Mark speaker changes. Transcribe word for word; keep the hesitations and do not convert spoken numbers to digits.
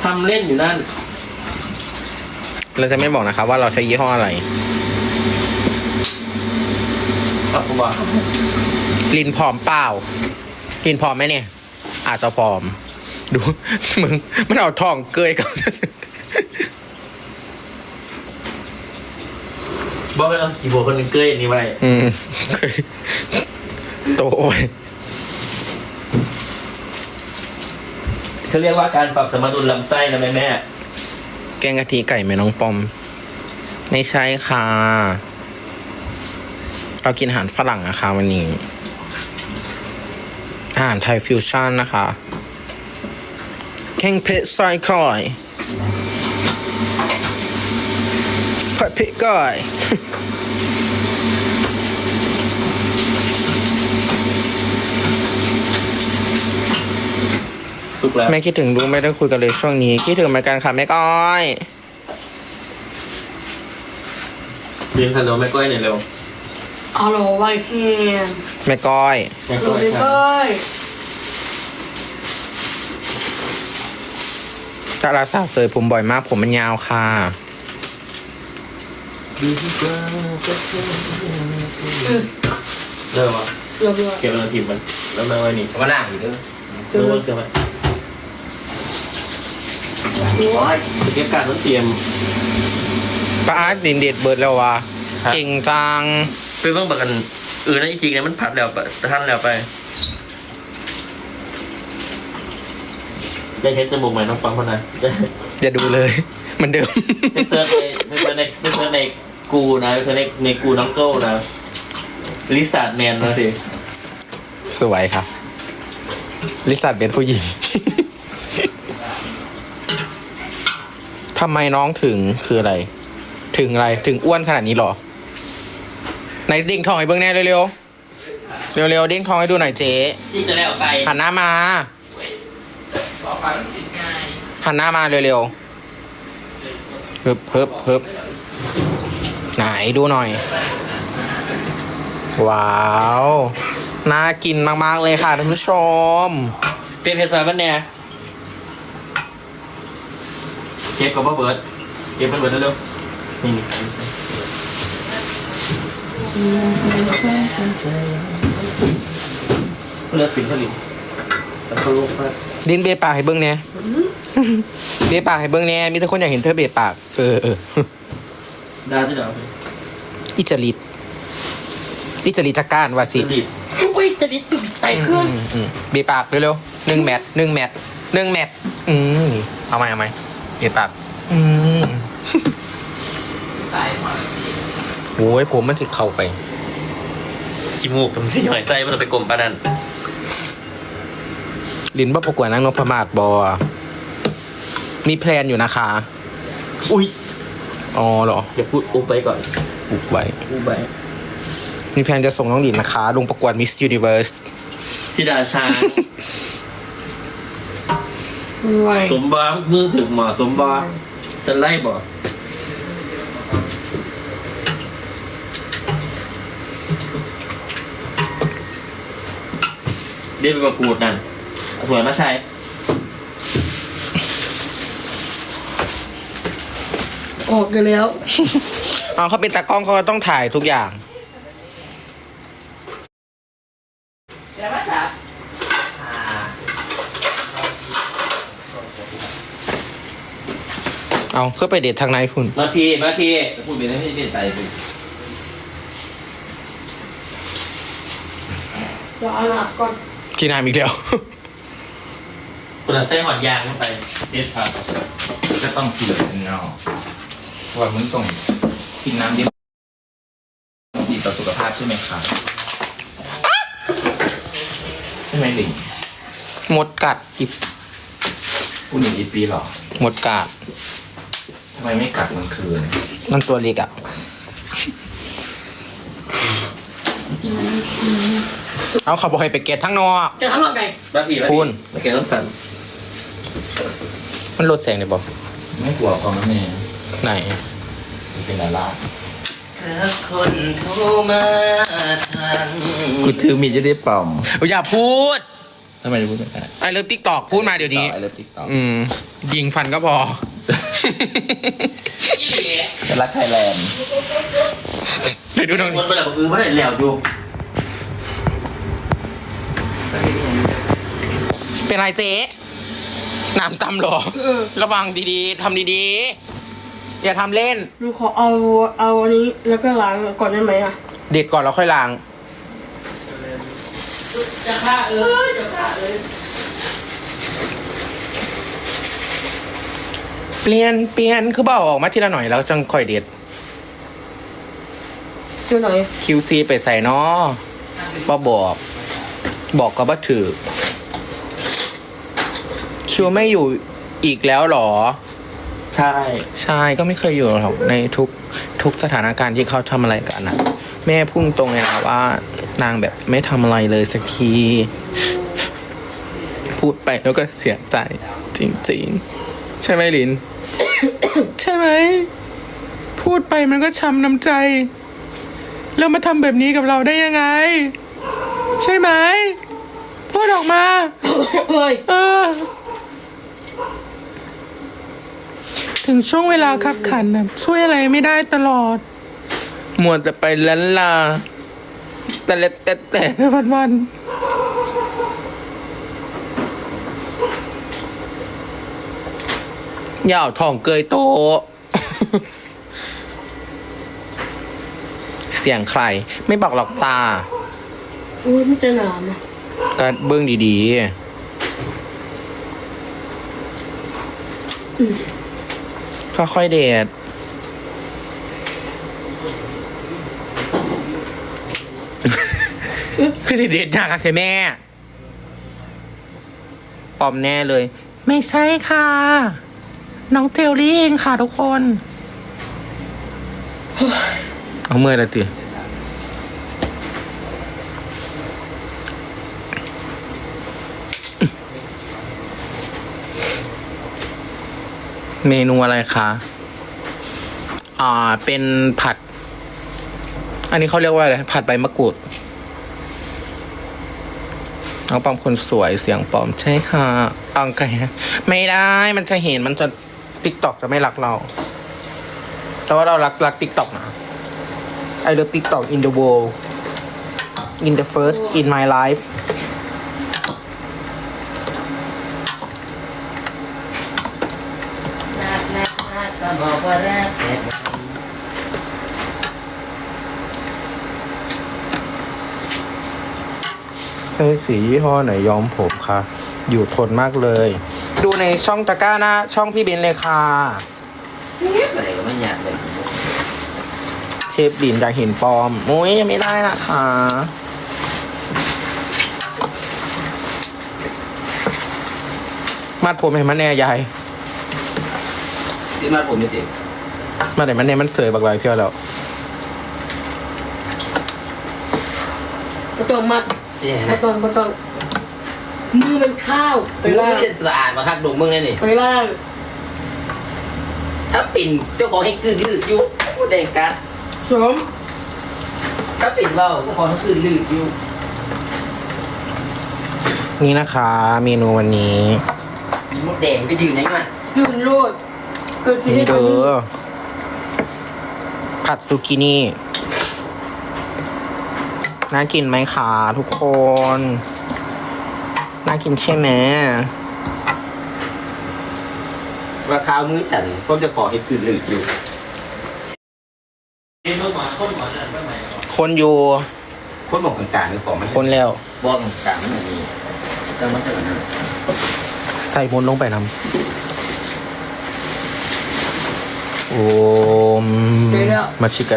Speaker 1: ทำเล่นอยู่นั่น
Speaker 2: เราจะไม่บอกนะครับว่าเราใช้ยี่ห้ออะไร
Speaker 1: ครับผมว่า
Speaker 2: ลินผอมเปล่าลินผอมไหมเนี่ยอาจจะผอมดูมึงมันเอาทองเกยกัน
Speaker 1: บอกไปเอากี่บัวคนหนึ่งเกยอันนี้ไว้
Speaker 2: อืมโตโอ้ย
Speaker 1: เขาเรียกว่าการปรับสมดุลลำไส้นะแม่แม่
Speaker 2: แกงกะทิไก่แม่น้องปอมไม่ใช่ค่ะเรากินอาหารฝรั่งนะคะวันนี้อาหารไทยฟิวชั่นนะคะแกงเผ็ดซอยคอยผัดเผ็ดก้อย
Speaker 1: สุกแล้ว
Speaker 2: แม่คิดถึงลูกไม่ได้คุยกันเลยช่วงนี้คิดถึงเหมือนกันค่ะแม่ก้อย
Speaker 1: เรียนขนมแม่ก้อยหน่อยเร็ว
Speaker 3: ฮัลโหลไวเพียน
Speaker 2: แม่ก้อย
Speaker 1: แม่ก้อยแม่ก้อย
Speaker 2: ดาราสาวเสยผมบ่อยมากผมมันยาวค่ะ
Speaker 1: เริ่มวะ
Speaker 3: เริ่มเ
Speaker 1: ก็บมันทีมมันแล้วมาไว้นี่
Speaker 2: ก็ล่างอีกเด้อ
Speaker 1: รู้ว่าเกิดไหมเก็บการต้องเตรียม
Speaker 2: ป้าอาร์ตดินเด็ดเบิร์ดแล้ววะเก่งจัง
Speaker 1: คือต้องบอกกันเออนั่นจริงๆเนี่ยมันผัดแล้วท่านแล้วไปได้เห็นจมูกใหม่น้องฟังคนนั้น
Speaker 2: อย่าดูเลยมันเดิม
Speaker 1: ไม่เซิร์ชในไม่เซิร์ชในไม่เซิร์ชในกูนะไม่เซิร์ชในในกูน้องโก้นะลิซ่าแมนนะสิ
Speaker 2: สวยครับลิซ่าเป็นผู้หญิงทำไมน้องถึงคืออะไรถึงอะไรถึงอ้วนขนาดนี้หรอไหนเด้งทองให้เบิ้งแน่เร็วๆเร็วๆเด้งทองให้ดูหน่อยเจ๊
Speaker 1: ที่จะได้ออกไป
Speaker 2: หันหน้ามาหันหน้ามาเร็วๆเฮิบเฮิบเฮิบไหนดูหน่อยว้าวน่ากินมากๆเลยค่ะท่านผู้ชม
Speaker 1: เป็นเพชรสายบ้านเนี่ยเก็บกับพ่อเบิร์ดเก็บเป็นเบิร์ดเร็วๆนี่เลือดสิงผลิตแต่เขาลงมา
Speaker 2: ดินเบปากให้เบิ้งเนี่ยเบปากให้เบิ้งเนี่ยมีแต่คนอยากเห็นเธอเบปากเออเออ
Speaker 1: ได้ที่ไหน
Speaker 2: อิจริตอิจริตจักการว่าสิ
Speaker 3: อุ้ยจะดิตุ่มไตเครื่อง
Speaker 2: เบปากเร็วๆหนึ่งแมทหนึ่งแมทหนึ่งแมทอืมเอาไหมเอาไหมเบปากอืมโอ้ยผมมันจะเข้าไป
Speaker 1: ขี้มูกผมสิหอยใจมันไปกลมปานัน
Speaker 2: ลินบ่ประกวดนางนพมาศบอมีแพลนอยู่นะคะ
Speaker 1: อุ้ย
Speaker 2: อ๋อเหรอ
Speaker 1: อย่าพูดอุ้มไปก่อน
Speaker 2: อุบไว้
Speaker 1: อุ้มไป
Speaker 2: มีแพลนจะส่งน้องลินนะคะลงประกวด Miss Universe
Speaker 1: ที่ดาชาสมบัติมือถึงหมอสมบัติจะไล่บ่เดี๋ยวไปประกวดนั่นสวยนะชาย
Speaker 3: ออกกันแล้ว
Speaker 2: เอาเขาเป็นตากล้องเขาต้องถ่ายทุกอย่างเอาเข้าไปเด็ดทางไหนคุณ
Speaker 1: มาทีมาที
Speaker 4: พูดไปแล้วไม่เป็นใจเลย
Speaker 3: รอหลับก่อน
Speaker 2: กินน้ำอีกแล้ว
Speaker 1: คุณเอาเส้นหอดยางลงไปเด็ดผัก
Speaker 4: ก็ต้องกินเงาว่ามึงต้องกินน้ำดีดีต่อสุขภาพใช่ไหมครับใช่ไหมลิง
Speaker 2: หมดกัดอีก
Speaker 4: คุณหนึ่งอีปีหรอ
Speaker 2: หมดกัด
Speaker 4: ทำไมไม่กัดมันคืน
Speaker 2: มันตัวเล็กอ่ะเอาเขาบอกให้ไปเกตทั้งนอก
Speaker 3: เกตทั้งนอกไง
Speaker 1: บ้าผีบ้าผี
Speaker 2: คุณ
Speaker 1: มาเกตต้องสั่น
Speaker 2: มันลดแสงเลยบอก
Speaker 4: ไม่กลัวความนั้นเอง
Speaker 2: ไหน
Speaker 4: เป็นดารา
Speaker 1: คนโทรมาทาง
Speaker 4: กูถือมีดจะได้เป่า
Speaker 2: อย่าพูด
Speaker 4: ทำไมจะพูดไม่ได้
Speaker 2: ไอเลิฟติ๊กตอกพูดมาเดี๋ยวนี้
Speaker 4: ไอเลิฟติ๊กต็อก
Speaker 2: อืม ยิงฟันก็พอ
Speaker 4: จะรักไทยแลนด์
Speaker 2: ไปดูตรง
Speaker 1: ค
Speaker 2: นี้
Speaker 1: นไปแบบอื่นไม่ได้แล้วอยู่
Speaker 2: เป็นไรเจ๊น้ำตำเหรอ
Speaker 3: เออ
Speaker 2: ระวังดีๆทำดีๆ อย่าทำเล่น
Speaker 3: หนูขอเอาเอาอันนี้แล้วก็ล้างก่อนได้ไหมอ่ะ
Speaker 2: เด็ดก่อนแล้วค่อยล้าง
Speaker 1: จะฆ่าเอ้ยจะฆ่าเอ้ย
Speaker 2: เปลี่ยนเปลี่ยนคือเบาออกมาทีละหน่อยแล้วจังค่อยเด็ด
Speaker 3: เจ้าหน่อย
Speaker 2: คิว ซี ไปใส่เนาะบ่บอก บอกก็บ่ถือ คิวไม่อยู่อีกแล้วเหรอ
Speaker 1: ใช่
Speaker 2: ใช่ก็ไม่เคยอยู่หรอกในทุกทุกสถานการณ์ที่เขาทำอะไรกันนะแม่พุ่งตรงเลยนะว่านางแบบไม่ทำอะไรเลยสักที พูดไปแล้วก็เสียใจ จริงๆ ใช่ไหมลิน ใช่ไหม พูดไปมันก็ช้ำน้ำใจ แล้วมาทำแบบนี้กับเราได้ยังไง ใช่ไหม พูดออกมา
Speaker 3: เฮ้ย
Speaker 2: เออ ถึงช่วงเวลาขับขันนะช่วยอะไรไม่ได้ตลอดมัวแต่ไปลันลา แต่เล็ดแต่แต่วันวันๆอย่าเอาทองเกยโต เสียงใคร ไม่บอกหรอกจ้า
Speaker 3: อุ้ยมันจะหนาวนะ
Speaker 2: ก็เบื้องดีๆ ค่อยๆเดท คือสิเดทยากอะแม่ ปลอมแน่เลย ไม่ใช่ค่ะ น้องเทลลี่เองค่ะทุกคน เอาเมื่อยแล้วติ เมนูอะไรคะ อ่า เป็นผัด อันนี้เขาเรียกว่าอะไร ผัดใบมะกรูด น้องปอมคนสวยเสียงปอมใช่ค่ะอังไก่ไม่ได้ มันจะเห็นมันจะติ๊กต็อกจะไม่รักเรา แต่ว่าเรารักรักติ๊กต็อกนะ I love TikTok in the world in the first in my life
Speaker 1: ก็บอกว่าแรกแต่
Speaker 2: ใช้สียี่ห้อไหนย้อมผมคะอยู่ทนมากเลย ดูในช่องตะกร้าหน้าช่องพี่เบนเลยค่ะ
Speaker 1: อะไรก็ไม่อยากเลย
Speaker 2: เชฟดินอยากเห็นปลอมโอ้ยยังไม่ได้นะคะมัดผมเห็นมันแน่ยาย
Speaker 1: ที่มาผมไม่เจ็บ
Speaker 2: มาไหนมันแน่มันเสยบักลายเที่ยวแล้ว
Speaker 3: ไม่ต้องมัดไม่ต้องไม่ต้องมือมันข้าวไป
Speaker 1: มึง
Speaker 3: ล่าง
Speaker 1: ไม่ได้สะอาดมาคักดมมึงไงนี่
Speaker 3: ไปล่าง
Speaker 1: ถ้าปิ่นเจ้าของให้คืนลืดอยู่พูดเองกัน
Speaker 3: สม
Speaker 1: ถ้าปิ่นเบาเจ้าของให้คืนลืดอยู่
Speaker 2: นี่นะคะเมนูวันนี้
Speaker 1: มีมดแดงไปยืนยังไง
Speaker 3: ยืนโลดเกิดที่
Speaker 2: นี่
Speaker 3: ให้
Speaker 2: เด้
Speaker 3: ดู
Speaker 2: อผัดซูกินี่น่ากินไหมคะทุกคนน่ากินใช่ไหม
Speaker 1: ราคามื้อฉันก็จะขอให้คืนลืดอยู่
Speaker 2: คนอยู่
Speaker 1: คนบอกกลางๆหรือของมัน
Speaker 2: คนแล้ว
Speaker 1: บอกกลางๆมันมีแต่มันจะแบบนั้น
Speaker 2: ใส่มนต์ลงไปนำโอม
Speaker 3: ไปแล้ว
Speaker 2: มาชิกะ